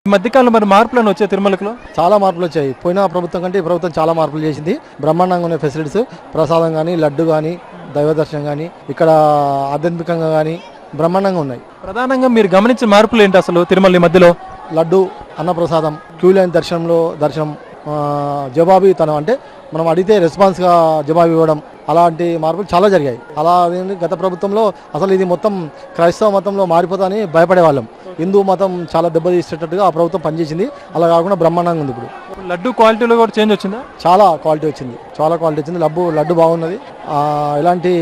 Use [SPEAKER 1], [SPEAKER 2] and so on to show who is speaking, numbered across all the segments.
[SPEAKER 1] మధ్యకాలంలో మరి మార్పులను వచ్చాయి తిరుమలలో?
[SPEAKER 2] చాలా మార్పులు వచ్చాయి. పోయిన ప్రభుత్వం కంటే ఈ ప్రభుత్వం చాలా మార్పులు చేసింది. బ్రహ్మాండంగా ఉన్న ఫెసిలిటీస్, ప్రసాదం కానీ, లడ్డు కానీ, దైవ దర్శనం కానీ, ఇక్కడ ఆధ్యాత్మికంగా కానీ బ్రహ్మాండంగా ఉన్నాయి.
[SPEAKER 1] ప్రధానంగా మీరు గమనించిన మార్పులు ఏంటి అసలు తిరుమల మధ్యలో?
[SPEAKER 2] లడ్డు, అన్నప్రసాదం, క్యూ లైన్ దర్శనం, జవాబీతనం అంటే మనం అడిగితే రెస్పాన్స్గా జవాబు ఇవ్వడం, అలాంటి మార్పులు చాలా జరిగాయి. అలా గత ప్రభుత్వంలో అసలు ఇది మొత్తం క్రైస్తవ మతంలో మారిపోతాని భయపడేవాళ్ళం. హిందూ మతం చాలా దెబ్బతీసేటట్టుగా ఆ ప్రభుత్వం పనిచేసింది. అలా కాకుండా బ్రహ్మాండంగా ఉంది. ఇప్పుడు
[SPEAKER 1] లడ్డు క్వాలిటీలో కూడా చేంజ్ వచ్చిందా?
[SPEAKER 2] చాలా క్వాలిటీ వచ్చింది. లడ్డు బాగున్నది. ఎలాంటి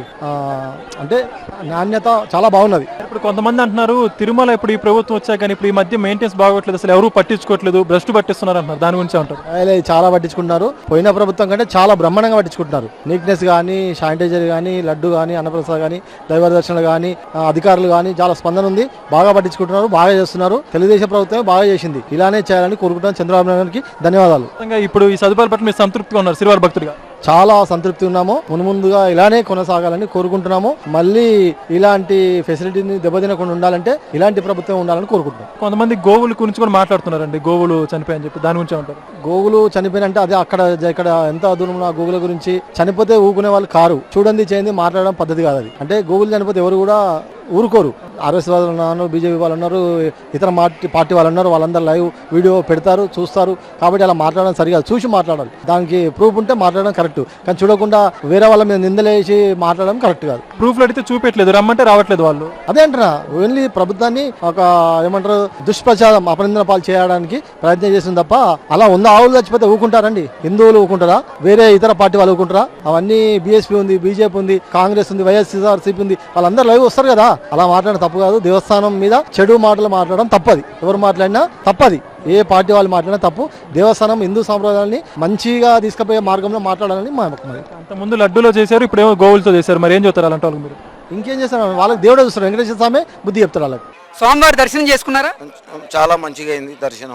[SPEAKER 2] అంటే నాణ్యత చాలా బాగున్నది.
[SPEAKER 1] ఇప్పుడు కొంతమంది అంటున్నారు తిరుమల ఇప్పుడు ఈ ప్రభుత్వం వచ్చాక కానీ ఇప్పుడు ఈ మధ్య మెయింటెనెన్స్ బాగోట్లేదు, అసలు ఎవరు పట్టించుకోవట్లేదు, భ్రష్టు పట్టిస్తున్నారు అంటున్నారు. దాని గురించి అంటారు?
[SPEAKER 2] చాలా పట్టించుకుంటున్నారు. పోయిన ప్రభుత్వం కంటే చాలా బ్రహ్మాండంగా పట్టించుకుంటున్నారు. నీట్నెస్ కానీ, శానిటైజర్ కానీ, లడ్డు కానీ, అన్నప్రసాద్ కానీ, దైవ దర్శనాలు కానీ, అధికారులు కానీ చాలా స్పందన ఉంది. బాగా పట్టించుకుంటున్నారు, బాగా చేస్తున్నారు. తెలుగుదేశం ప్రభుత్వమే బాగా చేసింది. ఇలానే చేయాలని కోరుకుంటున్నాను. చంద్రబాబు నాయుడు గారికి ధన్యవాదాలు.
[SPEAKER 1] ఇప్పుడు ఈ సదుపాయాల పట్ల మీరు సంతృప్తిగా ఉన్నారు శ్రీవారి భక్తుడిగా?
[SPEAKER 2] చాలా సంతృప్తి ఉన్నాము. ముందుగా ఇలానే కొనసాగాలని కోరుకుంటున్నాము. మళ్ళీ ఇలాంటి ఫెసిలిటీని దెబ్బతినకుండా ఉండాలంటే ఇలాంటి ప్రభుత్వం ఉండాలని కోరుకుంటున్నాం.
[SPEAKER 1] కొంతమంది గోవుల గురించి కూడా మాట్లాడుతున్నారండి, గోవులు చనిపోయాయని చెప్పి. దాని గురించి ఉంటారు?
[SPEAKER 2] గోవులు చనిపోయినంటే అదే ఇక్కడ ఎంత దూరంలో ఆ గోవుల గురించి చనిపోతే ఊకునే వాళ్ళు కారు. చూడండి చేయండి మాట్లాడడం పద్ధతి కాదు అది. అంటే గోవులు చనిపోతే ఎవరు కూడా ఊరుకోరు. ఆర్ఎస్ వాళ్ళు ఉన్నారు, బీజేపీ వాళ్ళు ఉన్నారు, ఇతర పార్టీ వాళ్ళు ఉన్నారు. వాళ్ళందరూ లైవ్ వీడియో పెడతారు, చూస్తారు. కాబట్టి అలా మాట్లాడడం సరిగా చూసి మాట్లాడాలి. దానికి ప్రూఫ్ ఉంటే మాట్లాడడం కరెక్ట్. కానీ చూడకుండా వేరే వాళ్ళ మీద నిందలేసి మాట్లాడడం కరెక్ట్ కాదు.
[SPEAKER 1] ప్రూఫ్లు అడిగితే చూపెట్టలేదు, రమ్మంటే రావట్లేదు వాళ్ళు.
[SPEAKER 2] అదే అంటున్నా. ఓన్లీ ప్రభుత్వాన్ని ఒక ఏమంటారు దుష్ప్రచారం, అపనిందన పాలు చేయడానికి ప్రయత్నం చేసింది తప్ప అలా ఉందా? ఆవులు చచ్చిపోతే ఊకుంటారండి? హిందువులు ఊకుంటారా? వేరే ఇతర పార్టీ వాళ్ళు ఊకుంటారా? అవన్నీ బీఎస్పీ ఉంది, బీజేపీ ఉంది, కాంగ్రెస్ ఉంది, వైఎస్ఆర్సీపీ ఉంది. వాళ్ళందరూ లైవ్ వస్తారు కదా. అలా మాట్లాడడం తప్పు కాదు. దేవస్థానం మీద చెడు మాటలు మాట్లాడడం తప్పది. ఎవరు మాట్లాడినా తప్పది. ఏ పార్టీ వాళ్ళు మాట్లాడినా తప్పు. దేవస్థానం హిందూ సాంప్రదాయాన్ని మంచిగా తీసుకుపోయే మార్గంలో మాట్లాడాలని మా
[SPEAKER 1] అంత ముందు లడ్డూలో చేశారు, ఇప్పుడు ఏమో గోవులతో చేశారు. మరి ఏం చెప్తారు అలాంటి వాళ్ళకి మీరు?
[SPEAKER 2] ఇంకేం చేస్తారు? వాళ్ళకి దేవుడే చూస్తారు. వెంకటేశ్వర స్వామి బుద్ధి చెప్తారు వాళ్ళకి.
[SPEAKER 3] స్వామివారి దర్శనం చేసుకున్నారా?
[SPEAKER 4] చాలా మంచిగా అయింది దర్శనం.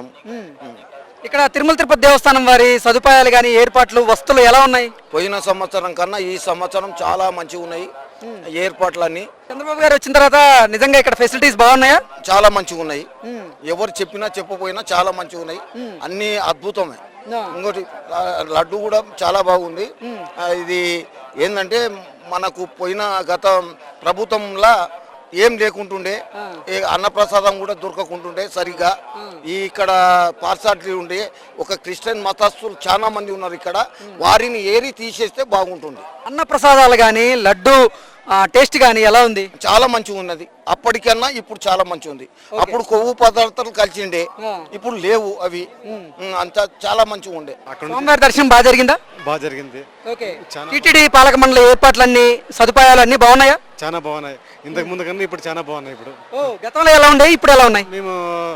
[SPEAKER 3] ఇక్కడ తిరుమల తిరుపతి దేవస్థానం వారి సదుపాయాలు కానీ, ఏర్పాట్లు, వస్తువులు ఎలా ఉన్నాయి?
[SPEAKER 4] పోయిన సంవత్సరం కన్నా ఈ సంవత్సరం చాలా మంచిగా ఉన్నాయి ఏర్పాట్లన్నీ.
[SPEAKER 3] చంద్రబాబు గారు వచ్చిన తర్వాత నిజంగా ఇక్కడ ఫెసిలిటీస్ బాగున్నాయా?
[SPEAKER 4] చాలా మంచిగా ఉన్నాయి. ఎవరు చెప్పినా చెప్పపోయినా చాలా మంచిగా ఉన్నాయి. అన్ని అద్భుతమే. ఇంకోటి లడ్డు కూడా చాలా బాగుంది. ఇది ఏంటంటే మనకు పోయిన గత ప్రభుత్వంలా ఏం లేకుంటుండే, అన్నప్రసాదం కూడా దొరకకుంటుండే సరిగా. ఇక్కడ పార్సాలిటీ ఉండే ఒక క్రిస్టియన్ మతస్థులు చాలా మంది ఉన్నారు ఇక్కడ. వారిని ఏరి తీసేస్తే బాగుంటుంది.
[SPEAKER 3] అన్నప్రసాదాలు కానీ, లడ్డు టేస్ట్ కానీ ఎలా ఉంది?
[SPEAKER 4] చాలా మంచిగా ఉన్నది. అప్పటికన్నా ఇప్పుడు చాలా మంచిగా ఉంది. అప్పుడు కొవ్వు పదార్థాలు కలిసిండే, ఇప్పుడు లేవు అవి. అంతా చాలా మంచిగా ఉండే.
[SPEAKER 3] స్వామివారి దర్శనం బాగా జరిగిందా?
[SPEAKER 5] బాగా జరిగింది.
[SPEAKER 3] టీటీడీ పాలక మండలి ఏర్పాట్లన్నీ, సదుపాయాలు అన్ని బాగున్నాయా?
[SPEAKER 5] చాలా బాగున్నాయి. ఇంతకు ముందు కన్నా ఇప్పుడు చాలా బాగున్నాయి. ఇప్పుడు
[SPEAKER 3] గతంలో ఎలా ఉండే, ఇప్పుడు ఎలా ఉన్నాయి?
[SPEAKER 5] మేము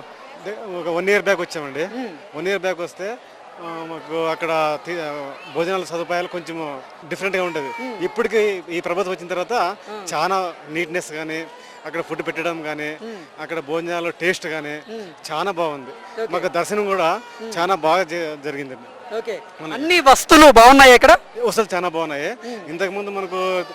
[SPEAKER 5] ఒక 1 year బ్యాక్ వచ్చామండి. 1 year బ్యాక్ వస్తే మాకు అక్కడ భోజనాల సదుపాయాలు కొంచెం డిఫరెంట్గా ఉంటుంది. ఇప్పటికి ఈ ప్రభుత్వం వచ్చిన తర్వాత చాలా నీట్నెస్ కానీ, అక్కడ ఫుడ్ పెట్టడం కానీ, అక్కడ భోజనాలు టేస్ట్ కానీ చాలా బాగుంది. మాకు దర్శనం కూడా చాలా బాగా జరిగిందండి.
[SPEAKER 3] అన్ని వస్తువులు బాగున్నాయి ఇక్కడ,
[SPEAKER 5] వస్తువులు చాలా బాగున్నాయి. ఇంతకు ముందు మనకు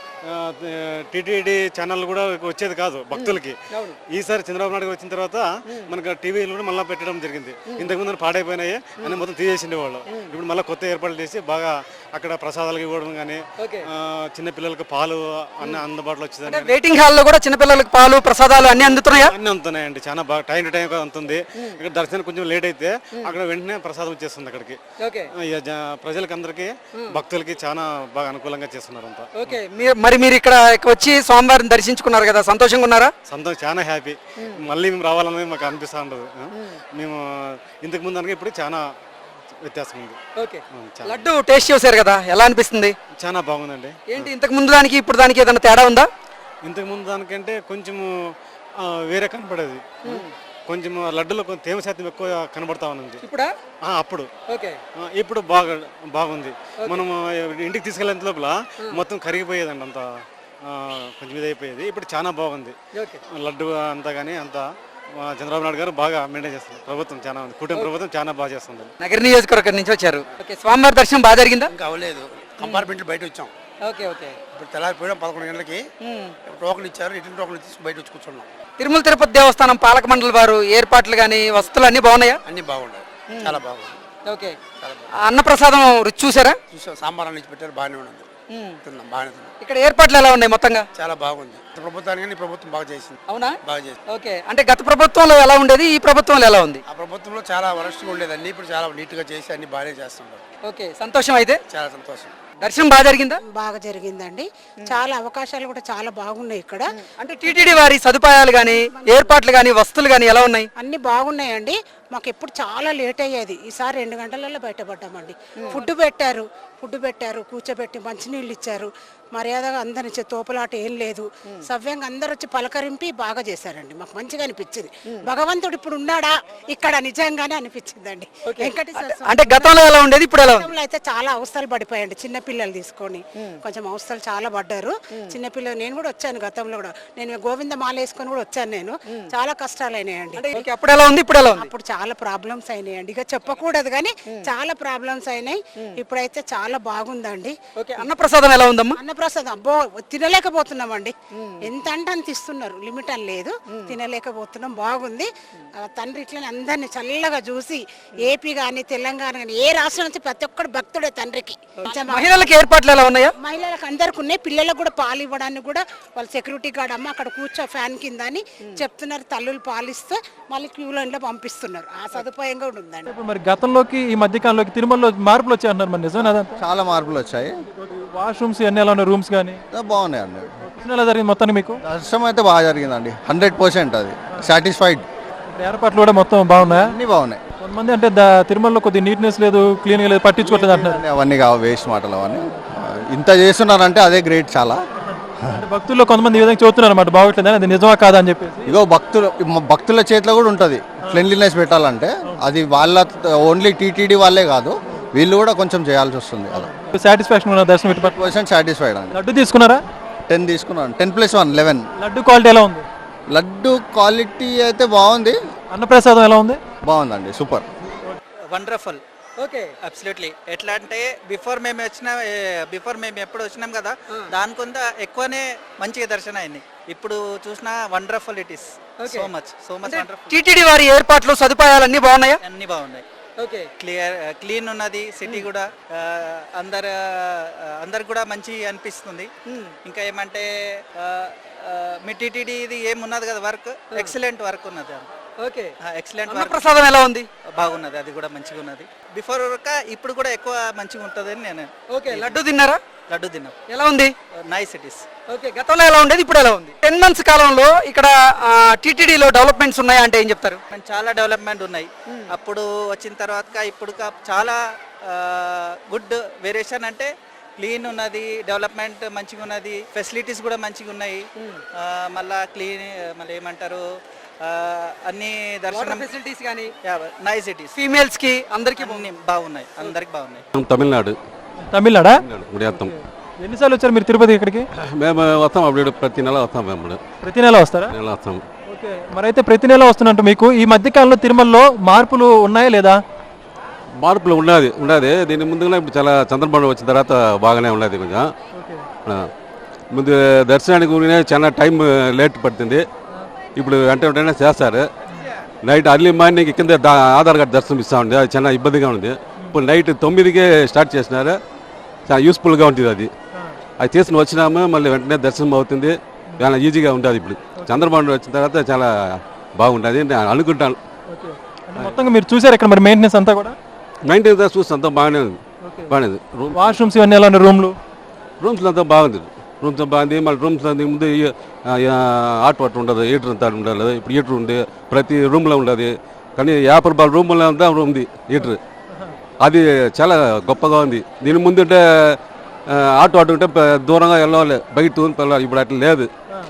[SPEAKER 5] టీటీడీ ఛానల్ కూడా వచ్చేది కాదు భక్తులకి. ఈసారి చంద్రబాబు నాయుడు వచ్చిన తర్వాత మనకు టీవీలు కూడా మళ్ళీ పెట్టడం జరిగింది. ఇంతకు ముందు పాడైపోయినాయి అని మొత్తం తీసేసిండే వాళ్ళు. ఇప్పుడు మళ్ళీ కొత్త ఏర్పాట్లు చేసి బాగా అక్కడ ప్రసాదాలకు ఇవ్వడం కానీ, చిన్నపిల్లలకు పాలు అన్ని అందుబాటులో వచ్చేది.
[SPEAKER 3] వెయిటింగ్ హాల్లో కూడా చిన్నపిల్లలకు పాలు, ప్రసాదాలు అన్ని అందుతున్నాయా?
[SPEAKER 5] అన్ని అందుతున్నాయండి. చాలా బాగా టైం టు టైం అందుతుంది. ఇక్కడ దర్శనం కొంచెం లేట్ అయితే అక్కడ వెంటనే ప్రసాదం వచ్చేస్తుంది అక్కడికి. ప్రజలకి అందరికి, భక్తులకి చాలా బాగా అనుకూలంగా చేస్తున్నారు అంతా.
[SPEAKER 3] మరి మీరు ఇక్కడ వచ్చి స్వామివారిని దర్శించుకున్నారు కదా, సంతోషంగా ఉన్నారా?
[SPEAKER 5] సంతోషం, చాలా హ్యాపీ. మళ్ళీ మేము రావాలని మాకు అనిపిస్తూ ఉండదు. మేము ఇంతకు ముందు అనగా ఇప్పుడు చాలా వ్యత్యాసం ఉంది.
[SPEAKER 3] లడ్డు టేస్ట్ చేశారు కదా, ఎలా అనిపిస్తుంది?
[SPEAKER 5] చాలా బాగుందండి.
[SPEAKER 3] ఏంటి ఇంతకు ముందు దానికి ఇప్పుడు దానికి ఏదైనా తేడా ఉందా?
[SPEAKER 5] ఇంతకు ముందు దానికంటే కొంచెం వేరే కనపడేది. కొంచెం లడ్డులో కొంచెం తేమ శాతం ఎక్కువ కనబడతా ఉంది అప్పుడు. ఇప్పుడు బాగుంది. మనం ఇంటికి తీసుకెళ్ళేంత లోపల మొత్తం కరిగిపోయేదండి, అంత కొంచెం ఇదైపోయేది. ఇప్పుడు చాలా బాగుంది లడ్డు అంతా. కానీ అంతా చంద్రబాబు నాయుడు గారు బాగా మెయింటైన్ చేస్తారు. ప్రభుత్వం చాలా ఉంది, కుటుంబ ప్రభుత్వం చాలా బాగా చేస్తుంది.
[SPEAKER 3] నగర నియోజకవర్గం నుంచి వచ్చారు. స్వామివారి దర్శనం బాగా జరిగిందా?
[SPEAKER 6] ఇంకా అవ్వలేదు. కంపార్ట్మెంట్ బయట వచ్చాం. ఇప్పుడు తెల్లారిపోయాం 11 గంటలకి. టోకన్ ఇచ్చారు, రిటర్న్ టోకన్ తీసుకుని బయట వచ్చి కూర్చున్నాం.
[SPEAKER 3] తిరుమల తిరుపతి దేవస్థానం పాలక మండలి వారు ఏర్పాట్లు కానీ వసతులు అన్ని బాగున్నాయా?
[SPEAKER 6] అన్ని బాగున్నాయి, చాలా బాగుంది.
[SPEAKER 3] ఓకే. అన్నప్రసాదం రుచి చూసారా?
[SPEAKER 6] చూసాం, సాంబార్ నుంచి పెట్టారు, బాగానే ఉన్నది, తిన్నాం, బాగానే తిన్నాం.
[SPEAKER 3] ఇక్కడ ఏర్పాట్లు ఎలా ఉన్నాయి మొత్తంగా?
[SPEAKER 6] చాలా బాగుంది. ప్రభుత్వానికి ఈ ప్రభుత్వం బాగా చేసింది.
[SPEAKER 3] అవునా?
[SPEAKER 6] బాగా చేసింది.
[SPEAKER 3] ఓకే. అంటే గత ప్రభుత్వంలో ఎలా ఉండేది, ఈ ప్రభుత్వంలో ఎలా ఉంది?
[SPEAKER 6] ఆ ప్రభుత్వంలో చాలా వరస్ట్గా ఉండేది, అన్ని ఇప్పుడు చాలా నీట్గా చేసి అన్ని బాగానే చేస్తున్నారు.
[SPEAKER 3] ఓకే, సంతోషం. అయితే
[SPEAKER 6] చాలా సంతోషం.
[SPEAKER 3] దర్శనం బాగా జరిగిందా?
[SPEAKER 7] బాగా జరిగిందండి. చాలా అవకాశాలు కూడా చాలా బాగున్నాయి ఇక్కడ.
[SPEAKER 3] అంటే టీటీడీ వారి సదుపాయాలు కానీ ఏర్పాట్లు కానీ వసతులు కానీ ఎలా ఉన్నాయి?
[SPEAKER 7] అన్ని బాగున్నాయండి. మాకు ఎప్పుడు చాలా లేట్ అయ్యేది, ఈసారి 2 గంటలలో బయటపడ్డామండి. ఫుడ్ పెట్టారు, కూర్చోబెట్టి మంచినీళ్ళు ఇచ్చారు, మర్యాదగా అందరి తోపులాట ఏం లేదు, సవ్యంగా అందరు వచ్చి పలకరింపి బాగా చేశారండి. మాకు మంచిగా అనిపించింది. భగవంతుడు ఇప్పుడు ఉన్నాడా ఇక్కడ నిజంగానే అనిపించిందండి. వెంకటేశ్వర స్వామి
[SPEAKER 3] అంటే గతంలో ఎలా ఉండేది, ఇప్పుడు ఎలా ఉంది?
[SPEAKER 7] గతంలో అయితే చాలా అవస్థలు పడిపోయాయండి. చిన్న పిల్లలు తీసుకొని కొంచెం అవస్థలు చాలా పడ్డారు. చిన్నపిల్లలు నేను కూడా వచ్చాను, గతంలో కూడా నేను గోవింద మాల వేసుకొని కూడా వచ్చాను. నేను చాలా కష్టాలు అయినాయండి.
[SPEAKER 3] ఓకే, అప్పుడు ఎలా ఉంది, ఇప్పుడు ఎలా ఉంది?
[SPEAKER 7] అప్పుడు చాలా ప్రాబ్లమ్స్ అయినాయండి, ఇక చెప్పకూడదు కానీ చాలా ప్రాబ్లమ్స్ అయినాయి. ఇప్పుడైతే చాలా బాగుందండి.
[SPEAKER 3] ఓకే, అన్నప్రసాదం ఎలా ఉందమ్మా?
[SPEAKER 7] అన్నప్రసాదం అబ్బో తినలేకపోతున్నామండి. ఎంత అంటే అంత ఇస్తున్నారు, లిమిట్ అని లేదు, తినలేకపోతున్నాం. బాగుంది. తండ్రి ఇట్లనే అందరినీ చల్లగా చూసి ఏపీ కానీ తెలంగాణ కానీ ఏ రాష్ట్రం నుంచి ప్రతి ఒక్కడు భక్తుడే తండ్రికి.
[SPEAKER 3] మహిళలకు ఏర్పాట్లు ఎలా ఉన్నాయా?
[SPEAKER 7] మహిళలకు అందరికి ఉన్నాయి, పిల్లలకు కూడా పాలు ఇవ్వడానికి కూడా వాళ్ళ సెక్యూరిటీ గార్డ్ అమ్మ అక్కడ కూర్చో ఫ్యాన్ కింద అని చెప్తున్నారు. తల్లులు పాలిస్తే మళ్ళీ క్యూ లైన్ లో పంపిస్తున్నారు. ఆ సదుపాయం కూడా ఉందండి.
[SPEAKER 1] ఇప్పుడు మరి గతంలోకి ఈ మధ్య కాలంలోకి తిరుమలలో మార్పులు వచ్చాయి అంటున్నారు, మరి నిజమేనా అదంతా?
[SPEAKER 2] చాలా మార్పులు వచ్చాయి.
[SPEAKER 1] వాష్రూమ్స్ అన్ని ఎలా ఉన్నాయి, రూమ్స్ కానీ
[SPEAKER 2] బాగున్నాయండి.
[SPEAKER 1] ఎలా జరిగింది మొత్తానికి మీకు?
[SPEAKER 2] దర్శనం అయితే బాగా జరిగిందండి, 100%. అది సాటిస్ఫైడ్.
[SPEAKER 1] ఏర్పాట్లు కూడా మొత్తం బాగున్నాయా?
[SPEAKER 2] అన్ని బాగున్నాయి.
[SPEAKER 1] కొంతమంది అంటే తిరుమలలో కొద్ది నీట్నెస్ లేదు, క్లీన్గా లేదు, పట్టించుకోవట్లేదు అంటున్నారు.
[SPEAKER 2] అవన్నీ కావు, వేస్ట్ మాటలు అవన్నీ. ఇంత చేస్తున్నారంటే అదే గ్రేట్ చాలా.
[SPEAKER 1] అంటే భక్తుల్లో కొంతమంది ఈ విధంగా చెబుతున్నారు అన్నమాట, బాగోట్లేదు, అది నిజమా కాదా అని చెప్పేసి.
[SPEAKER 2] ఇగో భక్తుల చేతిలో కూడా ఉంటుంది క్లీన్లీనెస్ పెట్టాలంటే. అది వాళ్ళ ఓన్లీ టీటీడీ వాళ్ళే కాదు, వీళ్ళు కూడా కొంచెం చేయాల్సి వస్తుంది. అలా
[SPEAKER 1] సాటిస్ఫాక్షన్ ఉన్న దర్శనం ఇటు
[SPEAKER 2] 100% సాటిస్ఫైడ్ అండి.
[SPEAKER 1] లడ్డు తీసుకున్నారా?
[SPEAKER 2] 10 తీసుకున్నాను. 10+1 11.
[SPEAKER 1] లడ్డు క్వాలిటీ ఎలా ఉంది?
[SPEAKER 2] లడ్డు క్వాలిటీ అయితే బాగుంది.
[SPEAKER 1] అన్నప్రసాదం ఎలా ఉంది?
[SPEAKER 2] బాగుందండి, సూపర్.
[SPEAKER 8] వండర్ఫుల్.
[SPEAKER 3] Okay,
[SPEAKER 8] absolutely. ఎట్లా అంటే బిఫోర్ మేము ఎప్పుడు వచ్చినాం కదా, దానికొంత ఎక్కువనే మంచిగా దర్శనం అయింది. ఇప్పుడు చూసిన wonderful it is. So much wonderful.
[SPEAKER 3] TTD వారి ఏర్పాట్లు సదుపాయాలు అన్ని బాగున్నాయా?
[SPEAKER 8] అన్ని బాగున్నాయి.
[SPEAKER 3] ఓకే,
[SPEAKER 8] క్లీన్ ఉన్నది సిటీ కూడా. అందరు కూడా మంచి అనిపిస్తుంది. ఇంకా ఏమంటే మీ టీటీడీ ఇది ఏమున్నది కదా, వర్క్ ఎక్సలెంట్ వర్క్ ఉన్నది.
[SPEAKER 3] Okay,
[SPEAKER 8] excellent work.
[SPEAKER 3] అన్నప్రసాదం ఎలా ఉంది?
[SPEAKER 8] బాగున్నది, అది కూడా మంచిగా ఉన్నది. బిఫోర్ ఇప్పుడు కూడా ఎక్కువ మంచిగా ఉంటుంది అని నేను.
[SPEAKER 3] ఓకే, లడ్డు తిన్నారా?
[SPEAKER 8] లడ్డు తిన్నాం.
[SPEAKER 3] ఎలా ఉంది?
[SPEAKER 8] Nice it is.
[SPEAKER 3] ఓకే, గతంలో ఎలా ఉండేది, ఇప్పుడు ఎలా ఉంది? 10 months కాలంలో ఇక్కడ టీటీడీలో డెవలప్మెంట్స్ ఉన్నాయా అంటే ఏం చెప్తారు?
[SPEAKER 8] చాలా డెవలప్మెంట్ ఉన్నాయి. అప్పుడు వచ్చిన తర్వాత ఇప్పుడు చాలా గుడ్ వేరియేషన్. అంటే క్లీన్ ఉన్నది, డెవలప్మెంట్ మంచిగా ఉన్నది, ఫెసిలిటీస్ కూడా మంచిగా ఉన్నాయి. మళ్ళీ ఏమంటారు, అన్ని దర్శనం
[SPEAKER 3] ఫెసిలిటీస్ కానీ
[SPEAKER 8] నైస్ ఇట్ ఇస్.
[SPEAKER 3] ఫీమేల్స్ కి అందరికి
[SPEAKER 8] బాగున్నాయి, అందరికి బాగున్నాయి.
[SPEAKER 1] తమిళనాడా?
[SPEAKER 9] గుడియాత్తం.
[SPEAKER 1] ఎన్నిసార్లు వచ్చారు మీరు తిరుపతి ఇక్కడికి?
[SPEAKER 9] మేము వస్తాం, అప్పుడు ప్రతి నెల వస్తాం. మేము
[SPEAKER 1] ప్రతి నెల వస్తారా?
[SPEAKER 9] నెల వస్తాం.
[SPEAKER 1] ఓకే, మరి అయితే ప్రతి నెల వస్తున్నట్టు మీకు ఈ మధ్య కాలంలో తిరుమలలో మార్పులు ఉన్నాయా లేదా?
[SPEAKER 9] మార్పులు ఉన్నది. దీని ముందుగా ఇప్పుడు చాలా చంద్రబాబు వచ్చిన తర్వాత బాగానే ఉన్నది. కొంచెం ముందు దర్శనానికి ఊరినే చాలా టైం లేట్ పడుతుంది. ఇప్పుడు వెంటనే చేస్తారు. నైట్ అర్లీ మార్నింగ్ కింద ఆధార్ కార్డు దర్శనం ఇస్తూ ఉంది, అది చాలా ఇబ్బందిగా ఉంది. ఇప్పుడు నైట్ 9కే స్టార్ట్ చేసినారు, చాలా యూస్ఫుల్గా ఉంటుంది. అది తీసుకుని వచ్చినాము, మళ్ళీ వెంటనే దర్శనం అవుతుంది, చాలా ఈజీగా ఉంటుంది. ఇప్పుడు చంద్రబాబు వచ్చిన తర్వాత చాలా బాగుంటుంది నేను అనుకుంటాను.
[SPEAKER 1] మొత్తంగా మీరు చూసారు ఇక్కడ మరి మెయింటెనెన్స్ అంతా కూడా?
[SPEAKER 9] మెయింటెనెన్స్ చూస్తే అంతా బాగానే ఉంది.
[SPEAKER 1] వాష్రూమ్స్ ఇవన్నీ ఎలా ఉన్నాయి?
[SPEAKER 9] రూమ్స్లో అంతా బాగుంది. మళ్ళీ రూమ్స్ ముందు హాట్ వాటర్ ఉండదు, హీటర్ అంతా ఉండదు. ఇప్పుడు హీటర్ ఉంది, ప్రతి రూమ్లో ఉండదు. కానీ 50 రూపాయల రూమ్లో అంతా ఉంది హీటర్. అది చాలా గొప్పగా ఉంది. దీని ముందు ఉంటే హాట్ వాటర్ ఉంటే దూరంగా వెళ్ళాలి, బయట వెళ్ళాలి. ఇప్పుడు అట్లా లేదు,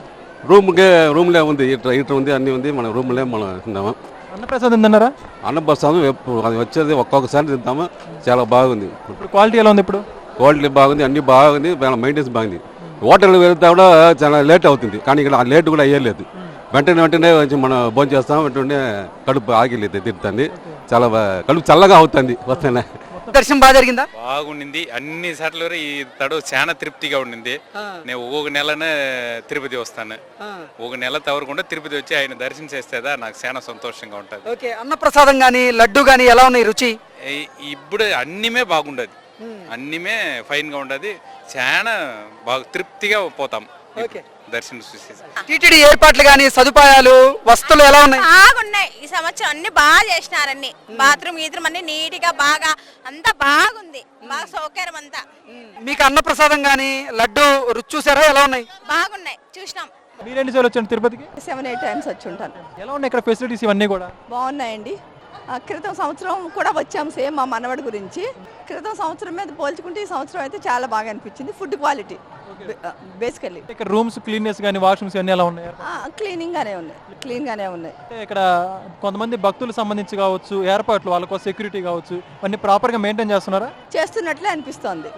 [SPEAKER 9] రూమ్లే ఉంది, హీటర్ ఉంది, అన్నీ ఉంది. మన రూమ్లే మనం తిందాము.
[SPEAKER 1] అన్నప్రసాదం తిన్నారా?
[SPEAKER 9] అన్నప్రసాదం అది వచ్చేది ఒక్కొక్కసారి తింటాము, చాలా బాగుంది.
[SPEAKER 1] క్వాలిటీ ఎలా ఉంది? ఇప్పుడు
[SPEAKER 9] క్వాలిటీ బాగుంది, అన్నీ బాగుంది, మెయింటెనెన్స్ బాగుంది. హోటల్కి వెళ్తే కూడా చాలా లేట్ అవుతుంది, కానీ ఇక్కడ ఆ లేట్ కూడా అయ్యలేదు. వెంటనే కొంచెం మనం భోజనం చేస్తాం, వెంటనే కడుపు ఆగిలేదు తిరుగుతుంది, చాలా కడుపు చల్లగా అవుతుంది వస్తేనే.
[SPEAKER 3] దర్శనం బాగా జరిగిందా?
[SPEAKER 10] బాగుండింది అన్ని సార్లు ఈ తడు చాలా తృప్తిగా ఉండింది. నేను ఒక నెలనే తిరుపతి వస్తాను, ఒక నెల తవరకుండా తిరుపతి వచ్చి ఆయన దర్శనం చేస్తేదా నాకు చాలా సంతోషంగా ఉంటుంది.
[SPEAKER 3] ఓకే, అన్నప్రసాదం గానీ లడ్డు గానీ ఎలా ఉన్నాయి రుచి?
[SPEAKER 10] ఇప్పుడు అన్నిమే బాగుండదు, అన్నిమే ఫైన్ గా ఉండదు, చాలా బాగా తృప్తిగా పోతాం దర్శనం చూసి.
[SPEAKER 3] టీటీడీ ఏర్పాట్లు గానీ సదుపాయాలు వస్తువులు ఎలా ఉన్నాయి?
[SPEAKER 11] బాగున్నాయి. ఈ సంవత్సరం అన్ని బాగా చేసినారన్ని, బాత్రూమ్ గీత్రూమ్ అన్ని నీట్ గా బాగా అంతా బాగుంది, బాగా సౌకర్యం అంతా.
[SPEAKER 3] మీకు అన్నప్రసాదం గానీ లడ్డు రుచి చూసారా, ఎలా ఉన్నాయి?
[SPEAKER 11] బాగున్నాయి, చూసినాం.
[SPEAKER 1] మీరు ఎన్నిసార్లు వచ్చాను తిరుపతికి?
[SPEAKER 12] 7-8 టైమ్స్ వచ్చి ఉంటాను.
[SPEAKER 1] ఎలా ఉన్నాయి ఇక్కడ ఫెసిలిటీస్ ఇవన్నీ కూడా?
[SPEAKER 12] బాగున్నాయండి. క్రితం సంవత్సరం కూడా వచ్చాం సేమ్ మా మనవడి గురించి. క్రితం సంవత్సరం మీద పోల్చుకుంటే ఈ సంవత్సరం అయితే చాలా బాగా అనిపించింది. Food quality basically.
[SPEAKER 1] ఇక్కడ రూమ్స్ క్లీన్నెస్ కానీ వాష్రూమ్స్ అన్నీ ఎలా ఉన్నాయి?
[SPEAKER 12] క్లీన్ గానే ఉన్నాయి.
[SPEAKER 1] అంటే ఇక్కడ కొంతమంది భక్తులకు సంబంధించి కావచ్చు, ఏర్పాట్లు వాళ్ళకు సెక్యూరిటీ కావచ్చు, అన్ని ప్రాపర్ గా మెయింటైన్ చేస్తున్నారా?
[SPEAKER 12] చేస్తున్నట్లే అనిపిస్తుంది.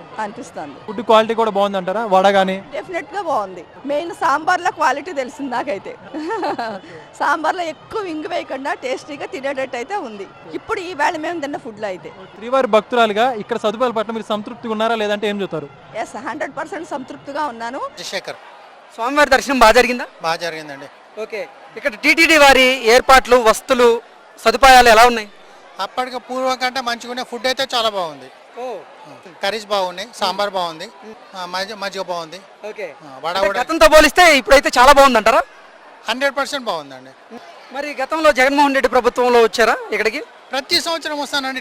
[SPEAKER 1] ఫుడ్ క్వాలిటీ కూడా బాగుంది అంటారా? వడ కానీ
[SPEAKER 12] డెఫినెట్ గా బాగుంది. మెయిన్ సాంబార్లో క్వాలిటీ తెలిసింది నాకైతే. సాంబార్లో ఎక్కువ ఇంగు వేయకుండా టేస్టీగా తినేటట్టు అయితే ఉంది ఇప్పుడు ఈ వేళ మేము తిన్న ఫుడ్ లో అయితే.
[SPEAKER 1] శ్రీవారి భక్తురాలుగా ఇక్కడ సదుపాయాల పట్ల మీరు సంతృప్తిగా ఉన్నారా లేదంటే ఏం చెప్తారు?
[SPEAKER 12] ఎస్, 100% సంతృప్తిగా ఉన్నాను.
[SPEAKER 6] శేఖర్.
[SPEAKER 3] స్వామివారి దర్శనం బాగా జరిగిందా?
[SPEAKER 6] బాగా జరిగిందండి.
[SPEAKER 3] ఓకే, ఇక్కడ టీటీడీ వారి ఏర్పాట్లు వస్తువులు సదుపాయాలు ఎలా ఉన్నాయి?
[SPEAKER 6] అప్పటికి పూర్వం కంటే మంచిగా ఫుడ్ అయితే చాలా బాగుంది. కర్రీస్ బాగున్నాయి, సాంబార్ బాగుంది, మజ్జిగ బాగుంది. వడ కూడా
[SPEAKER 3] గతంతో పోలిస్తే ఇప్పుడైతే చాలా బాగుంది అంటారా?
[SPEAKER 6] 100% బాగుందండి.
[SPEAKER 3] మరి గతంలో జగన్మోహన్ రెడ్డి ప్రభుత్వంలో వచ్చారా ఇక్కడికి?
[SPEAKER 6] ప్రతి సంవత్సరం వస్తానండి.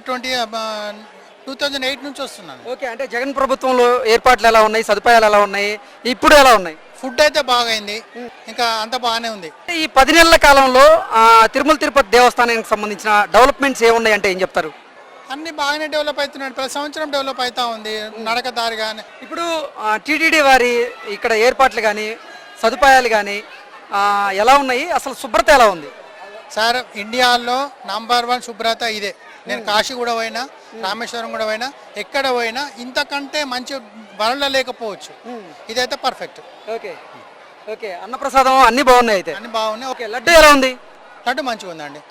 [SPEAKER 6] 2008 నుంచి వస్తున్నాను.
[SPEAKER 3] ఓకే, అంటే జగన్ ప్రభుత్వంలో ఏర్పాట్లు ఎలా ఉన్నాయి, సదుపాయాలు ఎలా ఉన్నాయి, ఇప్పుడు ఎలా ఉన్నాయి?
[SPEAKER 6] ఫుడ్ అయితే బాగైంది, ఇంకా అంత బాగానే ఉంది.
[SPEAKER 3] ఈ 10 నెలల కాలంలో తిరుమల తిరుపతి దేవస్థానానికి సంబంధించిన డెవలప్మెంట్స్ ఏమున్నాయి అంటే ఏం చెప్తారు?
[SPEAKER 6] అన్ని బాగానే డెవలప్ అవుతున్నాయి, ప్రతి సంవత్సరం డెవలప్ అవుతా ఉంది. నడక దారి కానీ
[SPEAKER 3] ఇప్పుడు టీటీడీ వారి ఇక్కడ ఏర్పాట్లు కానీ సదుపాయాలు కానీ ఎలా ఉన్నాయి, అసలు శుభ్రత ఎలా ఉంది?
[SPEAKER 6] సార్, ఇండియాలో నంబర్ 1 శుభ్రత ఇదే. నేను కాశీ కూడా పోయినా, రామేశ్వరం కూడా పోయినా, ఎక్కడ పోయినా ఇంతకంటే మంచి వరల్డ్ లేకపోవచ్చు. ఇదైతే పర్ఫెక్ట్.
[SPEAKER 3] ఓకే ఓకే, అన్నప్రసాదం అన్ని బాగున్నాయి అయితే?
[SPEAKER 6] అన్ని బాగున్నాయి.
[SPEAKER 3] ఓకే, లడ్డు ఎలా ఉంది?
[SPEAKER 6] లడ్డు మంచిగా ఉందండి.